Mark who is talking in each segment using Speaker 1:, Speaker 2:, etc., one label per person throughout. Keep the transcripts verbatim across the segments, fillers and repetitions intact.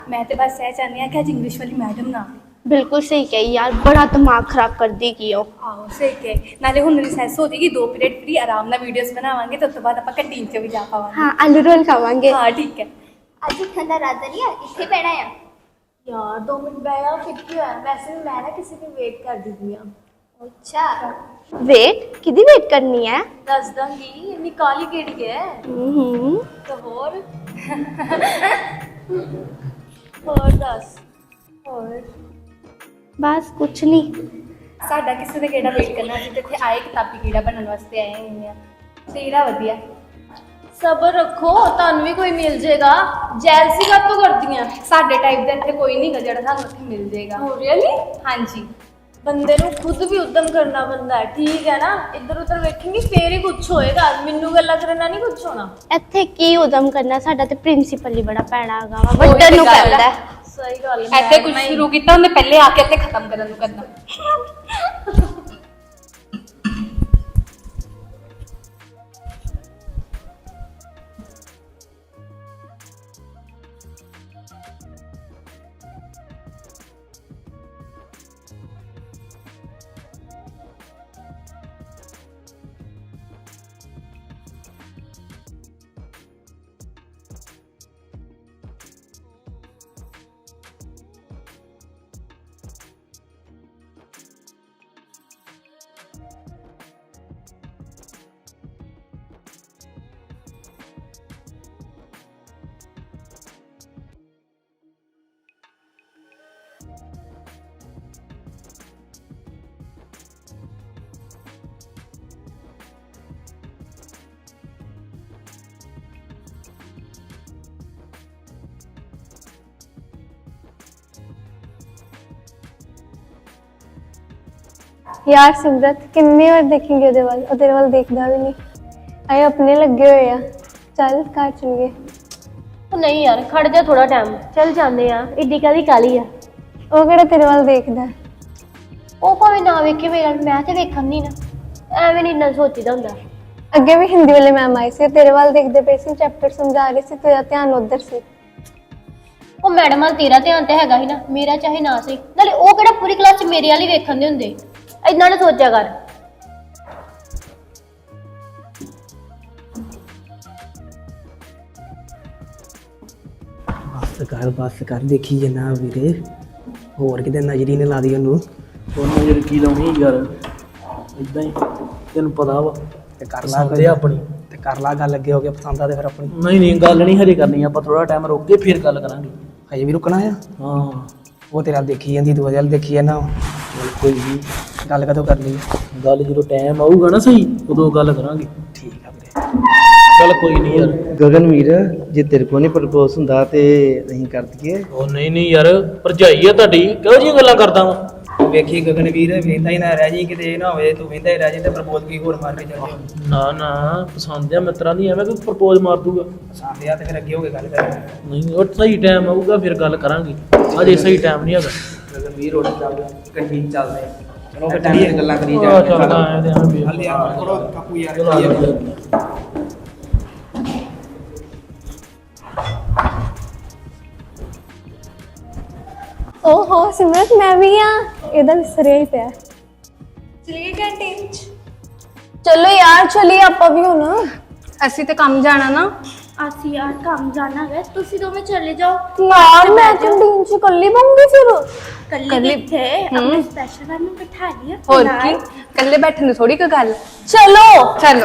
Speaker 1: मैं तो बस यह चाहती हूँ कि अज इंग्लिश वाली मैडम ना
Speaker 2: बिल्कुल सही कही यार, बड़ा दिमाग खराब कर देगी वो।
Speaker 1: आहो सही कहे नाले हुण रिसैस हो जाएगी दो पीरियड फ्री आराम नाल वीडियोस बनावांगे तो उस तो बाद आपां कैंटीन च भी जा पावांगे।
Speaker 2: हाँ आलू रोल खावांगे।
Speaker 1: हाँ ठीक है।
Speaker 3: ਅੱਜ ਠੰਡਾ ਰਾਤ ਨਹੀਂ ਆ ਇੱਥੇ ਪੈਣਾ ਆ
Speaker 1: यार दो मिनट बैठा फिर की होया वैसे भी मैं ना किसी की वेट कर दी थी
Speaker 3: ਅੱਛਾ
Speaker 2: वेट किदी वेट करनी है?
Speaker 1: दस दूंगी इतनी काली केड़ी है
Speaker 2: हम्म
Speaker 1: तो और और दस और
Speaker 2: बस कुछ नहीं।
Speaker 1: साडा किसी ने केड़ा वेट करना ਅਸੀਂ ਤੇ ਇੱਥੇ ਆਏ ਕਿਤਾਬੀ ਕੀੜਾ ਬਣਨ ਵਾਸਤੇ ਆਏ ਹੋਏ ਆ ਤੇਰਾ ਵਧੀਆ
Speaker 4: ਸਬਰ ਰੱਖੋ ਤੁਹਾਨੂੰ ਵੀ ਕੋਈ ਮਿਲ ਜਾਏਗਾ ਜੈਲਸੀ ਕਾਤੋਂ ਕਰਦੀਆਂ
Speaker 1: ਸਾਡੇ ਟਾਈਪ ਦਾ ਇੱਥੇ ਕੋਈ ਨਹੀਂ ਗਾ ਜਿਹੜਾ ਸਾਨੂੰ ਇੱਥੇ ਮਿਲ ਜਾਏਗਾ
Speaker 4: ਹੋ ਰੀਅਲੀ
Speaker 1: ਹਾਂਜੀ
Speaker 4: ਬੰਦੇ ਨੂੰ ਖੁਦ ਵੀ ਉਦਮ ਕਰਨਾ ਪੈਂਦਾ ਹੈ ਠੀਕ ਹੈ ਨਾ ਇੱਧਰ ਉੱਧਰ ਵੇਖेंगे ਫੇਰ ਹੀ ਕੁਝ ਹੋਏਗਾ ਮੈਨੂੰ ਗੱਲਾਂ ਕਰਨਾ ਨਹੀਂ ਕੁਝ ਹੋਣਾ
Speaker 2: ਇੱਥੇ ਕੀ ਉਦਮ ਕਰਨਾ, ਸਾਡਾ ਤੇ ਪ੍ਰਿੰਸੀਪਲ ਹੀ ਬੜਾ ਪੈਣਾ ਹੈਗਾ ਵਾ, ਵੱਡਣ ਨੂੰ ਕਹਿੰਦਾ ਹੈ।
Speaker 4: ਸਹੀ ਗੱਲ
Speaker 1: ਇੱਥੇ ਕੁਝ ਸ਼ੁਰੂ ਕੀਤਾ ਉਹਨੇ ਪਹਿਲੇ ਆ ਕੇ ਇੱਥੇ ਖਤਮ ਕਰਨ ਨੂੰ ਕਰਨਾ
Speaker 5: यार सिमरत किन्नी बार देखेंगे ਉਹਦੇ ਵੱਲ ਉਹ ਤੇਰੇ ਵੱਲ ਦੇਖਦਾ ਵੀ ਨਹੀਂ ਆਏ ਆਪਣੇ ਲੱਗੇ ਹੋਏ ਆ ਚੱਲ ਘਰ ਚਲੀਏ
Speaker 4: ਉਹ ਨਹੀਂ ਯਾਰ ਖੜ ਜਾ ਥੋੜਾ ਟਾਈਮ ਚੱਲ ਜਾਂਦੇ ਆ ਏਡੀ ਕਾਦੀ ਕਾਲੀ ਆ
Speaker 5: ਉਹ ਕਿਹੜਾ ਤੇਰੇ ਵੱਲ ਦੇਖਦਾ
Speaker 4: ਉਹ ਭਾਵੇਂ ਨਾ ਵੇਖੇ ਮੇਰਾ ਮੈਂ ਤੇ ਵੇਖਣ ਨਹੀਂ ਨਾ ਐਵੇਂ ਨਹੀਂ ਇੰਨਾ ਸੋਚੀਦਾ ਹੁੰਦਾ
Speaker 5: ਅੱਗੇ ਵੀ ਹਿੰਦੀ ਵਾਲੇ ਮੈਮ ਆਏ ਸੀ ਤੇਰੇ ਵੱਲ ਦੇਖਦੇ ਪਏ ਸੀ ਚੈਪਟਰ ਸਮਝਾ ਰਹੇ ਸੀ ਤੇਰਾ ਧਿਆਨ ਉਧਰ ਸੀ
Speaker 4: ਉਹ ਮੈਡਮ ਵੱਲ ਤੇਰਾ ਧਿਆਨ ਤੇ ਹੈਗਾ ਹੀ ਨਾ ਮੇਰਾ ਚਾਹੇ ਨਾ ਸੀ ਨਾਲੇ ਉਹ ਕਿਹੜਾ ਪੂਰੀ ਕਲਾਸ 'ਚ ਮੇਰੇ ਵਾਲੀ ਵੇਖਣ ਦੇ ਹੁੰਦੇ ਇਦਾਂ ਨਾ ਸੋਚਿਆ ਕਰ
Speaker 6: बस कर बस कर देखी जाना वीरे होर किते नजरी ने ला दी ओनू
Speaker 7: ਉਹ ਨਜ਼ਰ ਕੀ ਲਾਉਣੀ ਯਾਰ ਇਦਾਂ ਹੀ ਤੈਨੂੰ ਪਤਾ ਵਾ
Speaker 6: ते कर ला
Speaker 7: ਪਸੰਦ ਆ ਆਪਣੀ
Speaker 6: ते कर ला गल अगे हो गया पसंद आ ते फिर अपनी
Speaker 7: ਨਹੀਂ ਨਹੀਂ ਗੱਲ ਨਹੀਂ ਹਜੇ ਕਰਨੀ ਆਪਾਂ ਥੋੜਾ ਟਾਈਮ ਰੁਕ ਕੇ ਫਿਰ ਗੱਲ ਕਰਾਂਗੇ
Speaker 6: हजे भी रुकना है
Speaker 7: ਹਾਂ
Speaker 6: वो तेरा देखी जाती तू वजह देखी है ना
Speaker 7: ਚੱਲ ਕੋਈ ਨਹੀਂ
Speaker 6: गल कदों कर ली
Speaker 7: ਗੱਲ ਜਦੋਂ ਟਾਈम ਆਊਗਾ ਨਾ ਸਹੀ ਉਦੋਂ ਗੱਲ ਕਰਾਂਗੇ
Speaker 6: ठीक है वीरे
Speaker 7: ਚੱਲ ਕੋਈ ਨਹੀਂ ਯਾਰ
Speaker 8: ਗਗਨਵੀਰ ਜੇ ਤੇਰੇ ਕੋਲ ਨਹੀਂ ਪ੍ਰਪੋਜ਼ ਹੁੰਦਾ ਤੇ ਅਸੀਂ ਕਰ ਦਈਏ
Speaker 7: ਉਹ ਨਹੀਂ ਨਹੀਂ ਯਾਰ ਭਰਜਾਈ ਆ ਤੁਹਾਡੀ ਕਿਹੋ ਜਿਹੀਆਂ ਗੱਲਾਂ ਕਰਦਾ ਵਾ
Speaker 6: ਵੇਖੀ ਗਗਨਵੀਰ ਵੇਂਦਾ ਹੀ ਨਾ ਰਹਿ ਜੀ ਕਿਤੇ ਇਹ ਨਾ ਹੋਵੇ ਤੂੰ ਵੇਂਦਾ ਹੀ ਰਹਿ ਜੀ ਤੇ ਪ੍ਰਪੋਜ਼ ਕੀ ਹੋਰ ਮਾਰ ਕੇ ਚੱਲ ਜਾ
Speaker 7: ਨਾ ਨਾ ਪਸੰਦ ਆ ਮਿੱਤਰਾਂ ਦੀ ਐਵੇਂ ਕੋਈ ਪ੍ਰਪੋਜ਼ ਮਾਰ ਦੂਗਾ
Speaker 6: ਪਸੰਦ ਆ ਤੇ ਫਿਰ ਅੱਗੇ ਹੋ ਕੇ ਗੱਲ ਕਰ
Speaker 7: ਨਹੀਂ ਉਹ ਸਹੀ ਟਾਈਮ ਆਊਗਾ ਫਿਰ ਗੱਲ ਕਰਾਂਗੇ ਅਜੇ ਸਹੀ ਟਾਈਮ ਨਹੀਂ ਹੈਗਾ
Speaker 6: ਗਗਨਵੀਰ ਰੋਡ ਚੱਲਦਾ ਕੰਟੀਨ ਚੱਲਦੇ ਚਲੋ ਫਿਰ ਟਾਈਮ ਤੇ ਗੱਲਾਂ ਕਰੀ
Speaker 7: ਆ ਚੱਲਦਾ ਆਇਆ ਤੇ ਐਵੇਂ
Speaker 6: ਹਲੇ ਯਾਰ ਥੋੜਾ ਕਾਪੂ ਯਾਰ
Speaker 7: ਚਲੋ ਆ ਜਾ।
Speaker 5: ਓਹੋ ਸਿਮਰਤ ਮੈਂ ਵੀ ਆ ਇਹਦਾ ਵਿਸਰਿਆ ਹੀ ਪਿਆ
Speaker 1: ਚਲੀਏ ਕੈਂਟੀਨ ਚ
Speaker 5: ਚਲੋ ਯਾਰ ਚਲੀਏ ਆਪਾਂ ਵੀ ਹੁਣ
Speaker 1: ਅਸੀਂ ਤੇ ਕੰਮ ਜਾਣਾ ਨਾ
Speaker 2: ਅਸੀਂ ਯਾਰ ਕੰਮ ਜਾਣਾ ਹੈ, ਤੁਸੀਂ ਦੋਵੇਂ ਚਲੇ ਜਾਓ।
Speaker 5: ਯਾਰ ਮੈਂ ਕੰਟੀਨ ਚ ਕੱਲੀ ਬੰਗੀ ਫਿਰ
Speaker 2: ਕੱਲੀ ਕਿੱਥੇ ਆਪਣੇ ਸਪੈਸ਼ਲ ਨੂੰ ਬਿਠਾ ਲਿਆ
Speaker 1: ਹੋਰ ਕੀ ਇਕੱਲੇ ਬੈਠਣ ਨੂੰ ਥੋੜੀ ਕੋਈ ਗੱਲ
Speaker 5: ਚਲੋ
Speaker 1: ਚਲੋ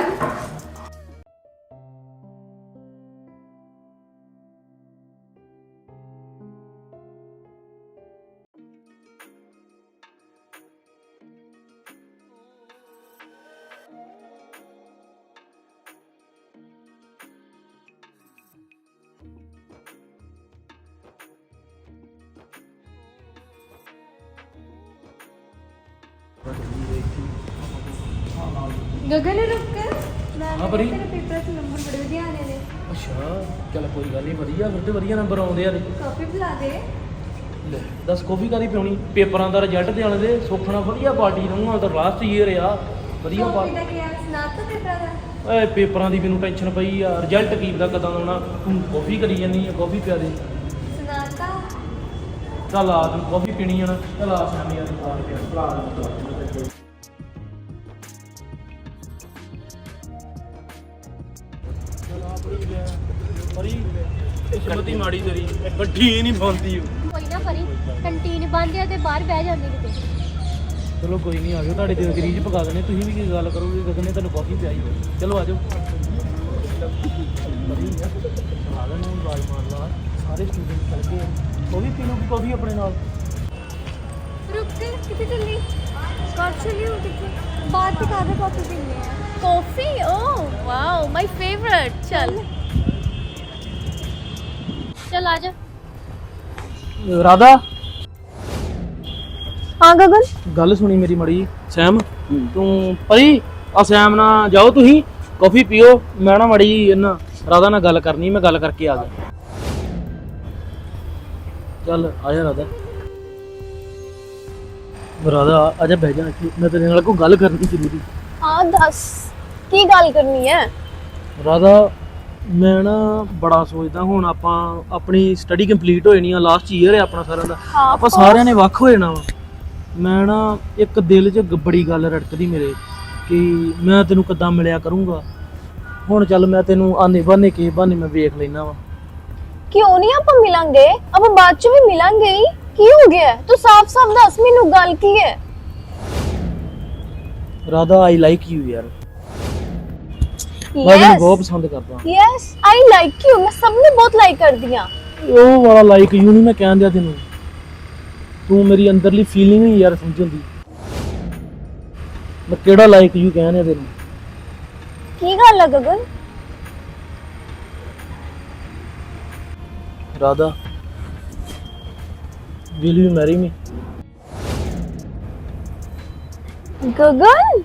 Speaker 5: ਗਗਨ ਰੁਕ
Speaker 7: ਹਾਂ ਬਰੀ
Speaker 5: ਪੇਪਰ ਚ ਨੰਬਰ ਬੜੇ ਵਧੀਆ ਆਨੇ ਨੇ
Speaker 7: ਅੱਛਾ ਚੱਲ ਕੋਈ ਗੱਲ ਨਹੀਂ ਵਧੀਆ ਫਿਰ ਤੇ ਵਧੀਆ ਨੰਬਰ ਆਉਂਦੇ ਆ ਤੇ
Speaker 5: ਕਾਫੀ ਬੁਲਾ ਦੇ
Speaker 7: ਲੈ ਦੱਸ ਕਾਫੀ ਕਾਦੀ ਪਿਉਣੀ ਪੇਪਰਾਂ ਦਾ ਰਿਜ਼ਲਟ ਦੇ ਆਲੇ ਦੇ ਸੁਖਣਾ ਵਧੀਆ ਪਾਰਟੀ ਰਹੂੰਗਾ ਤਾਂ ਲਾਸਟ ਈਅਰ ਆ ਵਧੀਆ ਪਾਰਟੀ
Speaker 5: ਦਾ ਕੀ ਸੁਣਾ ਤਾ ਪੇਪਰ ਦਾ
Speaker 7: ਓਏ ਪੇਪਰਾਂ ਦੀ ਮੈਨੂੰ ਟੈਨਸ਼ਨ ਪਈ ਆ ਰਿਜ਼ਲਟ ਕੀ ਦਾ ਕਦਾਂ ਆਉਣਾ ਤੂੰ ਕਾਫੀ ਕਰੀ ਜਾਂਦੀ ਆ ਕਾਫੀ ਪਿਆ ਦੇ
Speaker 5: ਸੁਣਾਤਾ
Speaker 7: ਚੱਲ ਆ ਤੈਨੂੰ ਕਾਫੀ ਪੀਣੀ ਆ ਨਾ, ਚੱਲ ਆ ਸ਼ਾਮੀ ਯਾਰ ਖਾ ਕੇ ਭਰਾ ਨੂੰ ਪਰੀ ਕਿਸਮਤ ਹੀ ਮਾੜੀ ਤੇਰੀ, ਬੱਠੀ ਨਹੀਂ ਪਾਉਂਦੀ
Speaker 4: ਕੋਈ ਨਾ ਪਰੀ, ਕੰਟੀਨ ਬੰਦ ਆ ਤੇ ਬਾਹਰ ਬਹਿ ਜਾਂਦੇ ਕਿਤੇ।
Speaker 7: ਚਲੋ ਕੋਈ ਨਹੀਂ, ਆ ਜਾਓ, ਤੁਹਾਡੇ ਦਿਲ ਦੀ ਰੀਝ ਪਕਾ ਦਨੇ, ਤੁਸੀਂ ਵੀ ਕੀ ਗੱਲ ਕਰੋਗੇ, ਗਗਨ ਨੇ ਤੁਹਾਨੂੰ ਕਾਫੀ ਪਿਆਈ ਹੋਈ। ਚਲੋ ਆ ਜਾਓ, ਆ ਲੈਣੇ ਆਵਾਜ਼ ਮਾਰ ਲਾ, ਸਾਰੇ ਸਟੂਡੈਂਟ ਚੱਲ ਗਏ, ਉਹ ਵੀ ਪੀ ਲੂਗੀ ਕਾਫੀ ਆਪਣੇ ਨਾਲ।
Speaker 3: रुक कर कितने चलनी कब चली हो कितने बात तो कर कॉफी पीने हैं
Speaker 1: coffee oh wow my favourite चल
Speaker 4: ਚੱਲ ਆ ਜਾ।
Speaker 7: ਰਾਧਾ
Speaker 5: हाँ गगन
Speaker 7: ਗੱਲ ਸੁਣੀ ਮੇਰੀ ਮੜੀ, ਸੈਮ ਤੂੰ ਪਰੀ ਆ ਸੈਮ ਨਾਲ ਜਾਓ, ਤੁਸੀਂ ਕਾਫੀ ਪੀਓ, ਮੈਂ ਨਾ ਮੜੀ ਇਹਨਾਂ ਰਾਧਾ ਨਾਲ ਗੱਲ ਕਰਨੀ, ਮੈਂ ਗੱਲ ਕਰਕੇ ਆ ਗਿਆ। ਚੱਲ ਆ ਜਾ ਰਾਧਾ। ਰਾਧਾ ਆ ਜਾ ਬਹਿ ਜਾ ਇੱਥੇ, ਮੈਂ ਤੇਰੇ ਨਾਲ ਕੋਈ ਗੱਲ ਕਰਨੀ ਜ਼ਰੂਰੀ।
Speaker 5: हाँ दस की गल करनी है
Speaker 7: ਰਾਧਾ ਮੈਂ ਨਾ ਬੜਾ ਸੋਚਦਾ, ਹੁਣ ਆਪਾਂ ਆਪਣੀ ਸਟੱਡੀ ਕੰਪਲੀਟ ਹੋ ਜਾਣੀ ਆ, ਲਾਸਟ ਈਅਰ ਹੈ ਆਪਣਾ ਸਾਰਿਆਂ ਦਾ, ਆਪਾਂ ਸਾਰਿਆਂ ਨੇ ਵੱਖ ਹੋ ਜਾਣਾ ਵਾ। ਮੈਂ ਨਾ ਇੱਕ ਦਿਲ 'ਚ ਗ- ਬੜੀ ਗੱਲ ਰੜਕਦੀ ਮੇਰੇ ਕਿ ਮੈਂ ਤੈਨੂੰ ਕਿੱਦਾਂ ਮਿਲਿਆ ਕਰੂੰਗਾ। ਹੁਣ ਚੱਲ ਮੈਂ ਤੈਨੂੰ ਆਨੇ ਬਾਨੇ ਕੇ ਬਾਨੇ ਮੈਂ ਵੇਖ ਲੈਣਾ ਵਾ।
Speaker 5: क्यों नहीं आप मिलेंगे अब बाद च भी मिलेंगे ही की हो गया है? तू साफ साफ दस मैनू गल की है
Speaker 7: ਰਾਧਾ ਆਈ ਲਾਈਕ ਯੂ ਯਾਰ, ਮੈਂ ਤੈਨੂੰ ਬਹੁਤ ਪਸੰਦ ਕਰਦਾ।
Speaker 5: यस आई लाइक यू मैं सबने बहुत लाइक कर दिया
Speaker 7: ਉਹ ਵਾਲਾ ਲਾਈਕ ਯੂ ਨਹੀਂ ਮੈਂ ਕਹਿਣ ਦਿਆ ਤੈਨੂੰ, ਤੂੰ ਮੇਰੀ ਅੰਦਰਲੀ ਫੀਲਿੰਗ ਹੀ ਯਾਰ ਸਮਝਣ ਦੀ। ਮੈਂ ਕਿਹੜਾ ਲਾਈਕ ਯੂ ਕਹਿਣ ਦਿਆ ਤੈਨੂੰ।
Speaker 5: की गल है Gagan
Speaker 7: Radha will you marry me?
Speaker 5: Gagan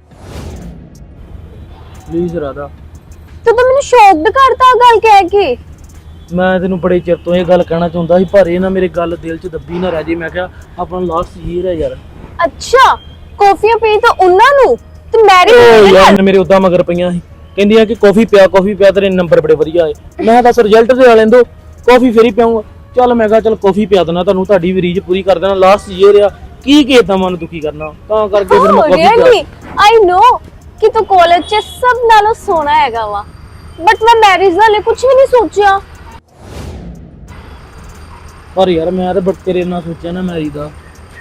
Speaker 7: please Radha.
Speaker 5: तू तो मैंने शॉक्ड करता गल कह के
Speaker 7: ਮੈਂ ਤੈਨੂੰ ਬੜੇ ਚਿਰ ਤੋਂ ਇਹ ਗੱਲ ਕਹਿਣਾ ਚਾਹੁੰਦਾ ਸੀ, ਪਰ ਇਹ ਨਾ ਮੇਰੇ ਗੱਲ ਦਿਲ 'ਚ ਦੱਬੀ ਨਾ ਰਹਿ ਜੇ। ਮੈਂ ਕਿਹਾ ਆਪਣਾ ਲਾਸਟ ਈਅਰ ਹੈ ਯਾਰ।
Speaker 5: अच्छा कॉफियां पी तो उन्ना नु ते मैरी
Speaker 7: ਉਹ ਯਾਰ ਮੇਰੇ ਉਦਾਂ ਮਗਰ ਪਈਆਂ ਸੀ, ਕਹਿੰਦੀਆਂ ਕਿ ਕਾਫੀ ਪਿਆ ਕਾਫੀ ਪਿਆ, ਤੇਰੇ ਨੰਬਰ ਬੜੇ ਵਧੀਆ ਆਏ। ਮੈਂ ਦੱਸ ਰਿਜ਼ਲਟ ਦੇ ਆ ਲੈਂਦੋ, ਕਾਫੀ ਫੇਰ ਹੀ ਪਿਆਉਂਗਾ। ਚੱਲ ਮੈਂ ਕਿਹਾ ਚੱਲ ਕਾਫੀ ਪਿਆ ਦੇਣਾ ਤੁਹਾਨੂੰ, ਤੁਹਾਡੀ ਵੀ ਰੀਝ ਪੂਰੀ ਕਰ ਦੇਣਾ। ਲਾਸਟ ਈਅਰ ਆ, ਕੀ ਕੀਤਾ ਮਨ ਦੁਖੀ ਕਰਨਾ, ਤਾਂ ਕਰਕੇ ਫਿਰ ਮੈਂ ਕਾਫੀ
Speaker 5: रियली
Speaker 7: ਪਿਆ।
Speaker 5: आई नो कि तू कॉलेज च सब नालों सोना हैगा वा, बट मैं मैरिज वाले कुछ भी नहीं सोचा।
Speaker 7: ਪਰ ਯਾਰ ਮੈਂ ਤਾਂ ਬਟ ਤੇਰੇ ਨਾਲ ਸੋਚਿਆ ਨਾ ਮੈਰੀ ਦਾ।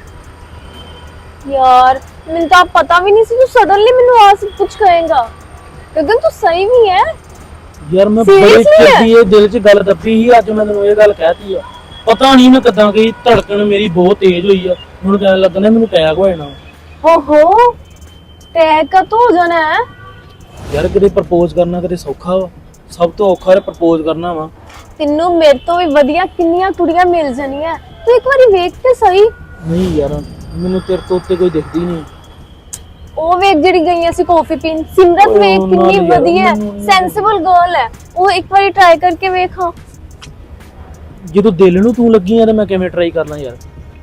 Speaker 5: यार मैंने तो आप पता भी नहीं सी तू सडनली मैंने आ सब कुछ कहेगा। गगन तू सही भी है
Speaker 7: ਯਾਰ ਮੈਂ ਬੜੀ
Speaker 5: Seriously
Speaker 7: ਚਿਰ ਦੀ ਇਹ ਦਿਲ 'ਚ ਗੱਲ ਦੱਬੀ ਸੀ, ਅੱਜ ਮੈਂ ਤੈਨੂੰ ਇਹ ਗੱਲ ਕਹਿਤੀ ਆ। ਪਤਾ ਨਹੀਂ ਮੈਂ ਕਿੱਦਾਂ ਗਈ, ਧੜਕਣ ਮੇਰੀ ਬਹੁਤ ਤੇਜ਼ ਹੋਈ ਆ, ਹੁਣ ਕਹਿਣ ਲੱਗਣਾ ਮੈਨੂੰ ਅਟੈਕ ਹੋ ਜਾਣਾ।
Speaker 5: हो हो टैग का तो हो जाना है
Speaker 7: ਯਾਰ ਕਿਤੇ ਪ੍ਰਪੋਜ਼ ਕਰਨਾ ਕਿਤੇ ਸੌਖਾ ਵਾ, ਸਭ ਤੋਂ ਔਖਾ ਹੈ ਪ੍ਰਪੋਜ਼ ਕਰਨਾ ਵਾ।
Speaker 5: तेनू मेरे तो भी वधिया किन्नियां कुड़ियां मिल जानियां, तू एक बारी वेख ते सही।
Speaker 7: ਨਹੀਂ ਯਾਰ ਮੈਨੂੰ ਤੇਰੇ ਤੋਂ ਉੱਤੇ ਕੋਈ ਦਿਖਦੀ ਨਹੀਂ।
Speaker 5: ਉਹ ਵੇਖ ਜਿਹੜੀ ਗਈਆਂ ਸੀ ਕਾਫੀ ਪੀਣ, ਸਿਮਰਤ
Speaker 7: ਉਹ
Speaker 5: ਵੇਖ
Speaker 7: ਨਾਲ
Speaker 5: ਕਿੰਨੀ
Speaker 7: ਯਾਰ,
Speaker 5: ਵਧੀਆ
Speaker 7: ਮੈਨੂੰ-
Speaker 5: ਸੈਂਸਿਬਲ ਗਰਲ ਹੈ, ਉਹ ਇੱਕ ਵਾਰੀ ਟਰਾਈ ਕਰਕੇ ਵੇਖਾਂ।
Speaker 7: ਜਦੋਂ ਦਿਲ ਨੂੰ ਤੂੰ ਲੱਗੀ ਆ ਤੇ ਮੈਂ ਕਿਵੇਂ ਟਰਾਈ ਕਰ ਲਾਂ ਯਾਰ।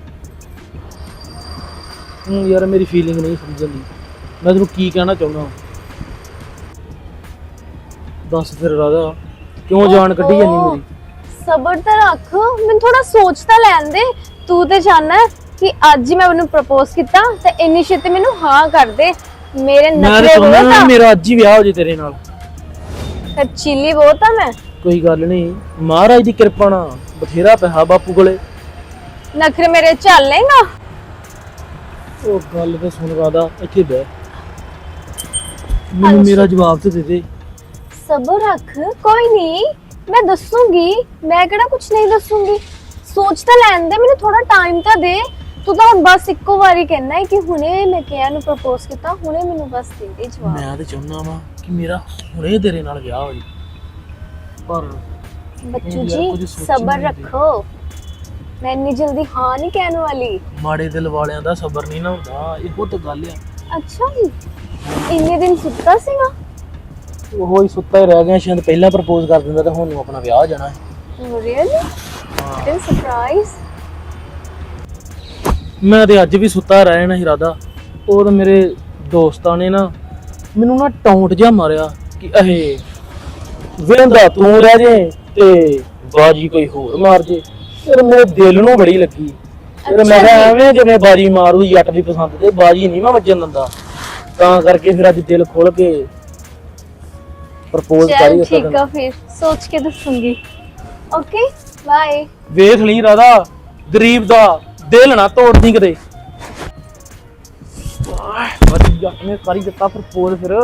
Speaker 7: ਹੂੰ ਯਾਰ ਮੇਰੀ ਫੀਲਿੰਗ ਨਹੀਂ ਸਮਝਣ ਦੀ, ਮੈਂ ਤੈਨੂੰ ਕੀ ਕਹਿਣਾ ਚਾਹੁੰਦਾ। ਦੱਸ ਫਿਰ ਰਾਧਾ ਕਿਉਂ ਜਾਨ ਕੱਢੀ ਜਾਂਦੀ ਮੇਰੀ।
Speaker 5: ਸਬਰ ਤਾਂ ਰੱਖ, ਮੈਨੂੰ ਥੋੜਾ ਸੋਚ ਤਾਂ ਲੈਣ ਦੇ। ਤੂੰ ਤੇ ਚਾਹਨਾ ਕਿ ਅੱਜ ਹੀ ਮੈਂ ਉਹਨੂੰ ਪ੍ਰਪੋਜ਼ ਕੀਤਾ ਤੇ ਇੰਨੀ ਛੇਤੀ ਮੈਨੂੰ ਹਾਂ ਕਰ ਦੇ। ਮੇਰੇ
Speaker 7: ਮੈਂ
Speaker 5: ਨਖਰੇ
Speaker 7: ਤਾਂ ਚਾਹੁੰਦਾ
Speaker 5: ਬਹੁਤ
Speaker 7: ਨਾ
Speaker 5: ਆ,
Speaker 7: ਮੇਰਾ ਅੱਜ ਹੀ ਵਿਆਹ ਹੋ ਜੇ ਤੇਰੇ ਨਾਲ।
Speaker 5: ਖਰਚੀਲੀ ਬਹੁਤ ਆ ਮੈਂ।
Speaker 7: ਕੋਈ ਗੱਲ ਨਹੀਂ, ਮਹਾਰਾਜ ਦੀ ਕਿਰਪਾ ਨਾਲ ਬਥੇਰਾ ਪਿਆ ਬਾਪੂ ਕੋਲੇ।
Speaker 5: ਨਖਰੇ ਮੇਰੇ ਚੱਲ ਲੇਗਾ।
Speaker 7: ਉਹ ਗੱਲ ਤੇ ਸੁਣ ਰਾਧਾ, ਇੱਥੇ ਬਹਿ, ਮੈਨੂੰ ਮੇਰਾ ਜਵਾਬ ਤੇ ਦੇ ਦੇ।
Speaker 5: ਸਬਰ ਰੱਖ, ਕੋਈ ਨਹੀਂ ਮੈਂ ਦੱਸੂਗੀ, ਮੈਂ ਕਿਹੜਾ ਕੁਝ ਨਹੀਂ ਦੱਸੂਗੀ। ਸੋਚ ਤਾਂ ਲੈਣ ਦੇ, ਮੈਨੂੰ ਥੋੜਾ ਟਾਈਮ ਤਾਂ ਦੇ। ਤੂੰ ਤਾਂ ਹੁਣ ਬਸ ਇੱਕੋ ਵਾਰੀ ਕਹਿਣਾ ਹੈ ਕਿ ਹੁਣੇ ਮੈਂ ਕਿਹਾ ਨੂੰ ਪ੍ਰਪੋਜ਼ ਕੀਤਾ, ਹੁਣੇ ਮੈਨੂੰ ਬਸ ਦੇ ਦੇ ਜਵਾਬ।
Speaker 7: ਮੈਂ ਤਾਂ ਚਾਹੁੰਦਾ ਵਾਂ ਕਿ ਮੇਰਾ ਹੁਣੇ ਤੇਰੇ ਨਾਲ ਵਿਆਹ ਹੋ ਜੇ, ਪਰ
Speaker 5: ਬੱਚੂ
Speaker 7: ਯਾਰ
Speaker 5: ਜੀ
Speaker 7: ਕੁਝ ਸੋਚੀ
Speaker 5: ਸਬਰ
Speaker 7: ਨਹੀਂ
Speaker 5: ਰੱਖੋ, ਮੈਂ ਇੰਨੀ ਜਲਦੀ ਹਾਂ ਨਹੀਂ ਕਹਿਣ ਵਾਲੀ।
Speaker 7: ਮਾੜੇ ਦਿਲ ਵਾਲਿਆਂ ਦਾ ਸਬਰ ਨਹੀਂ ਨਾ ਹੁੰਦਾ, ਇਹੋ ਤਾਂ ਗੱਲ ਆ।
Speaker 5: ਅੱਛਾ ਜੀ, ਇੰਨੇ ਦਿਨ ਸੁੱਤਾ ਸੀਗਾ?
Speaker 7: ਉਹ ਹੀ ਸੁੱਤਾ ਹੀ ਰਹਿ ਗਿਆ, ਸ਼ਾਇਦ ਪਹਿਲਾਂ ਪ੍ਰਪੋਜ਼ ਕਰ ਦਿੰਦਾ ਤਾਂ ਹੁਣ ਨੂੰ ਆਪਣਾ ਵਿਆਹ ਹੋ ਜਾਣਾ ਹੈ।
Speaker 5: ਰੀਅਲੀ? ਦਿਨ ਸਰਪ੍ਰਾਈਜ਼।
Speaker 7: ਮੈਂ ਤੇ ਅੱਜ ਵੀ ਸੁੱਤਾ ਰਹਿ ਜਾਣਾ ਸੀ ਰਾਧਾ। ਉਹ ਤਾਂ ਮੇਰੇ ਦੋਸਤਾਂ ਨੇ ਨਾ ਮੈਨੂੰ ਨਾ ਟੌਂਟ ਜਿਹਾ ਮਾਰਿਆ ਕਿ ਇਹ ਵੇਂਦਾ ਤੂੰ ਰਹਿ ਜੇ ਤੇ ਬਾਜੀ ਕੋਈ ਹੋਰ ਮਾਰ ਜੇ। ਫਿਰ ਮੇਰੇ ਦਿਲ ਨੂੰ ਬੜੀ ਲੱਗੀ। ਫਿਰ ਮੈਂ ਕਿਹਾ ਐਵੇਂ ਜਿਵੇਂ ਬਾਜੀ ਮਾਰੂ ਜੱਟ ਦੀ ਪਸੰਦ ਤੇ ਬਾਜੀ ਨਹੀਂ ਮੈਂ ਵੱਜਣ ਦਿੰਦਾ, ਤਾਂ ਕਰਕੇ ਫਿਰ ਅੱਜ ਦਿਲ ਖੋਲ ਕੇ ਪ੍ਰਪੋਜ਼
Speaker 5: चल
Speaker 7: ਕਰੀ
Speaker 5: ठीक है, फिर सोच के दसूंगी। Okay bye.
Speaker 7: ਵੇਖ ਲਈ ਰਾਧਾ, ਗਰੀਬ ਦਾ ਦਿਲ ਨਾ ਤੋੜਦੀ ਕਿਤੇ। ਵਧੀਆ ਨੇ ਕਰੀ ਦਿੱਤਾ ਪ੍ਰਪੋਜ਼ ਫਿਰ।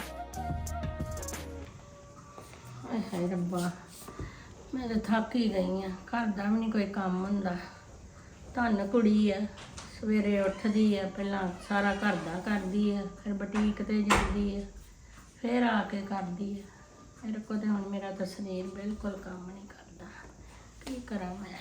Speaker 9: ਹਾਏ ਰੱਬਾ, ਮੈਂ ਤਾਂ ਥੱਕ ਹੀ ਗਈ ਆ। ਘਰ ਦਾ ਵੀ ਨਹੀਂ ਕੋਈ ਕੰਮ ਹੁੰਦਾ। ਧੰਨ ਕੁੜੀ ਆ, ਸਵੇਰੇ ਉੱਠਦੀ ਆ, ਪਹਿਲਾਂ ਸਾਰਾ ਘਰ ਦਾ ਕਰਦੀ ਆ, ਫਿਰ ਬੁਟੀਕ ਤੇ ਜਾਂਦੀ ਆ, ਫਿਰ ਆ ਕੇ ਕਰਦੀ ਆ। ਮੇਰੇ ਕੋਲ ਤਾਂ ਹੁਣ ਮੇਰਾ ਤਾਂ ਸਰੀਰ ਬਿਲਕੁਲ ਕੰਮ ਨਹੀਂ ਕਰਦਾ, ਕੀ ਕਰਾਂ ਮੈਂ।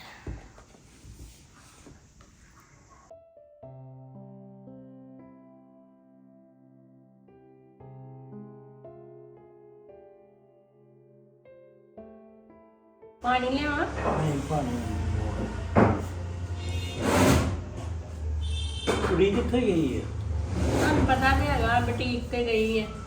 Speaker 9: ਪਾਣੀ ਲਿਆਵਾਂ?
Speaker 7: ਕੁੜੀ ਕਿੱਥੇ ਗਈ ਹੈ?
Speaker 9: ਤੁਹਾਨੂੰ ਪਤਾ ਨਹੀਂ ਹੈਗਾ, ਬੁਟੀਕ ਤੇ ਗਈ ਹੈ,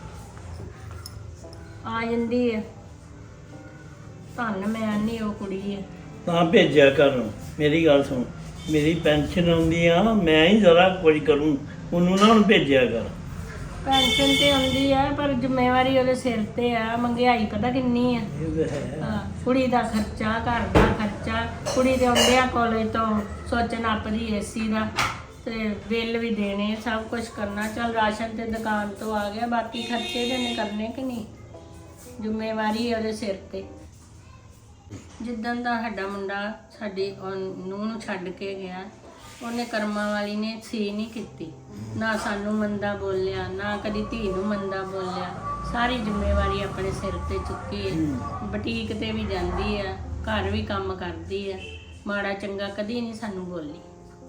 Speaker 9: ਆ ਜਾਂਦੀ ਹੈ। ਧੰਨ ਮੈਂ ਨਹੀਂ ਉਹ ਕੁੜੀ ਹੈ।
Speaker 10: ਤਾਂ ਭੇਜਿਆ ਕਰ। ਮੇਰੀ ਗੱਲ ਸੁਣ, ਮੇਰੀ ਪੈਨਸ਼ਨ ਆਉਂਦੀ ਆ, ਮੈਂ ਹੀ ਸਾਰਾ ਕੁਝ ਕਰੂੰ, ਉਹਨੂੰ ਨਾ ਹੁਣ ਭੇਜਿਆ ਕਰ।
Speaker 9: ਪੈਨਸ਼ਨ ਤੇ ਆਉਂਦੀ ਆ, ਪਰ ਜ਼ਿੰਮੇਵਾਰੀ ਉਹਦੇ ਸਿਰ ਤੇ ਆ। ਮਹਿੰਗਾਈ ਪਤਾ ਕਿੰਨੀ ਆ। ਹਾਂ, ਕੁੜੀ ਦਾ ਖਰਚਾ, ਘਰ ਦਾ ਖਰਚਾ, ਕੁੜੀ ਦੇ ਆਉਂਦੇ ਆ ਕਾਲਜ ਤੋਂ ਸੋਚਣ ਆਪਦੀ ਏਸੀ ਦਾ ਤੇ ਬਿੱਲ ਵੀ ਦੇਣੇ, ਸਭ ਕੁਝ ਕਰਨਾ। ਚੱਲ ਰਾਸ਼ਨ ਤੇ ਦੁਕਾਨ ਤੋਂ ਆ ਗਿਆ, ਬਾਕੀ ਖਰਚੇ ਤੇ ਨੇ ਕਰਨੇ ਕਿ ਨਹੀਂ। ਜ਼ਿੰਮੇਵਾਰੀ ਉਹਦੇ ਸਿਰ ਤੇ। ਜਿੱਦਣ ਦਾ ਸਾਡਾ ਮੁੰਡਾ ਸਾਡੀ ਨੂੰਹ ਨੂੰ ਛੱਡ ਕੇ ਗਿਆ, ਉਹਨੇ ਕਰਮਾਂ ਵਾਲੀ ਨੇ ਸੀ ਨਹੀਂ ਕੀਤੀ। ਨਾ ਸਾਨੂੰ ਮੰਦਾ ਬੋਲਿਆ, ਨਾ ਕਦੀ ਧੀ ਨੂੰ ਮੰਦਾ ਬੋਲਿਆ। ਸਾਰੀ ਜ਼ਿੰਮੇਵਾਰੀ ਆਪਣੇ ਸਿਰ ਤੇ ਚੁੱਕੀ ਹੈ। ਬੁਟੀਕ ਤੇ ਵੀ ਜਾਂਦੀ ਆ, ਘਰ ਵੀ ਕੰਮ ਕਰਦੀ ਆ, ਮਾੜਾ ਚੰਗਾ ਕਦੀ ਨਹੀਂ ਸਾਨੂੰ ਬੋਲੀ।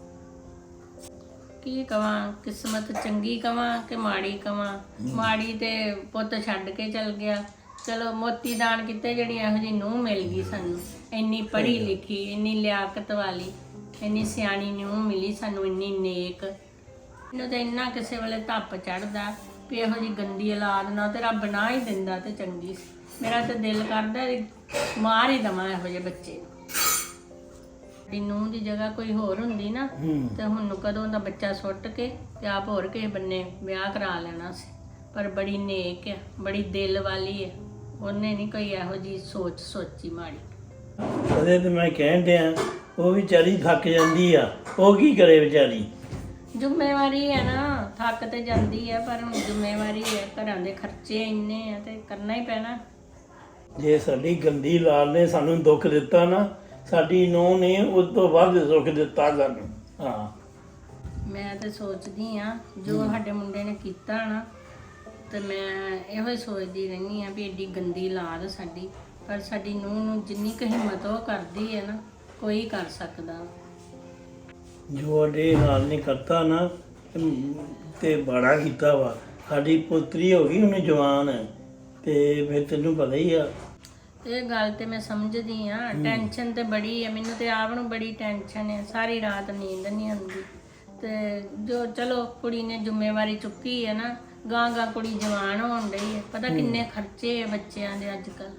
Speaker 9: ਕੀ ਕਵਾਂ, ਕਿਸਮਤ ਚੰਗੀ ਕਵਾਂ ਕਿ ਮਾੜੀ ਕਵਾਂ। ਮਾੜੀ ਤੇ ਪੁੱਤ ਛੱਡ ਕੇ ਚਲ ਗਿਆ। ਚਲੋ ਮੋਤੀ ਦਾਨ ਕੀਤੇ, ਜਿਹੜੀ ਇਹੋ ਜਿਹੀ ਨੂੰਹ ਮਿਲ ਗਈ ਸਾਨੂੰ, ਇੰਨੀ ਪੜ੍ਹੀ ਲਿਖੀ, ਇੰਨੀ ਲਿਆਕਤ ਵਾਲੀ, ਇੰਨੀ ਸਿਆਣੀ ਨੂੰਹ ਮਿਲੀ ਸਾਨੂੰ, ਇੰਨੀ ਨੇਕ। ਮੈਨੂੰ ਤਾਂ ਇੰਨਾ ਕਿਸੇ ਵੇਲੇ ਧੱਪ ਚੜ੍ਹਦਾ ਵੀ ਇਹੋ ਜਿਹੀ ਗੰਦੀ ਔਲਾਦ ਨਾ ਤੇ ਰੱਬ ਨਾ ਹੀ ਦਿੰਦਾ ਤੇ ਚੰਗੀ ਸੀ। ਮੇਰਾ ਤਾਂ ਦਿਲ ਕਰਦਾ ਮਾਰ ਹੀ ਦੇਵਾਂ ਇਹੋ ਜਿਹੇ ਬੱਚੇ ਨੂੰ। ਸਾਡੀ ਨੂੰਹ ਦੀ ਜਗ੍ਹਾ ਕੋਈ ਹੋਰ ਹੁੰਦੀ ਨਾ ਤੇ ਹੁਣ ਕਦੋਂ ਦਾ ਬੱਚਾ ਸੁੱਟ ਕੇ ਤੇ ਆਪ ਹੋਰ ਕਿਸੇ ਬੰਨੇ ਵਿਆਹ ਕਰਾ ਲੈਣਾ ਸੀ। ਪਰ ਬੜੀ ਨੇਕ ਆ, ਬੜੀ ਦਿਲ ਵਾਲੀ ਹੈ। ਉਹਨੇ ਨਹੀਂ ਕੋਈ ਇਹੋ ਜਿਹੀ ਸੋਚ ਸੋਚੀ ਮਾੜੀ।
Speaker 10: ਉਹਦੇ ਤੇ ਮੈਂ ਕਹਿਣ ਡਿਆ, ਉਹ ਵਿਚਾਰੀ ਥੱਕ ਜਾਂਦੀ ਆ, ਉਹ ਕੀ ਕਰੇ ਵਿਚਾਰੀ।
Speaker 9: ਜ਼ਿੰਮੇਵਾਰੀ ਹੈ ਨਾ, ਥੱਕ ਤੇ ਜਾਂਦੀ ਹੈ, ਪਰ ਹੁਣ ਜ਼ਿੰਮੇਵਾਰੀ ਹੈ। ਘਰਾਂ ਦੇ ਖਰਚੇ ਇੰਨੇ ਆ ਤੇ ਕਰਨਾ ਹੀ ਪੈਣਾ।
Speaker 10: ਜੇ ਸਾਡੀ ਗੰਦੀ ਲਾਲ ਨੇ ਸਾਨੂੰ ਦੁੱਖ ਦਿੱਤਾ ਨਾ, ਸਾਡੀ ਨੂੰਹ ਨੇ ਉਸ ਤੋਂ ਵੱਧ ਸੁੱਖ ਦਿੱਤਾ ਸਾਨੂੰ। ਹਾਂ,
Speaker 9: ਮੈਂ ਤੇ ਸੋਚਦੀ ਆ ਜੋ ਸਾਡੇ ਮੁੰਡੇ ਨੇ ਕੀਤਾ ਨਾ, ਤੇ ਮੈਂ ਇਹੋ ਹੀ ਸੋਚਦੀ ਰਹਿੰਦੀ ਆ ਵੀ ਏਡੀ ਗੰਦੀ ਔਲਾਦ ਸਾਡੀ। ਪਰ ਸਾਡੀ ਨੂੰਹ ਨੂੰ ਜਿੰਨੀ ਕੁ ਹਿੰਮਤ ਉਹ ਕਰਦੀ ਹੈ ਨਾ, ਕੋਈ ਕਰ ਸਕਦਾ।
Speaker 10: ਜੋ ਅਡੇ ਨਾਲ ਨੇ ਕਰਤਾ ਨਾ ਤੇ ਬੜਾ ਕੀਤਾ ਵਾ। ਸਾਡੀ ਪੁੱਤਰੀ ਹੋ ਗਈ, ਉਹਨੇ ਜਵਾਨ ਤੇ ਫਿਰ ਤੈਨੂੰ ਪਤਾ ਹੀ ਆ।
Speaker 9: ਇਹ ਗੱਲ ਤੇ ਮੈਂ ਸਮਝਦੀ ਆ। ਟੈਨਸ਼ਨ ਤੇ ਬੜੀ ਹੈ, ਮੈਨੂੰ ਤੇ ਆਪ ਨੂੰ ਬੜੀ ਟੈਨਸ਼ਨ ਹੈ। ਸਾਰੀ ਰਾਤ ਨੀਂਦ ਨਹੀਂ ਆਉਂਦੀ। ਤੇ ਜੋ ਚਲੋ ਕੁੜੀ ਨੇ ਜ਼ਿੰਮੇਵਾਰੀ ਚੁੱਕੀ ਹੈ ਨਾ, ਗਾਂ ਗਾਂ ਕੁੜੀ ਜਵਾਨ ਹੋਣ ਡਈ ਹੈ। ਪਤਾ ਕਿੰਨੇ ਖਰਚੇ ਆ ਬੱਚਿਆਂ ਦੇ ਅੱਜ ਕੱਲ੍ਹ।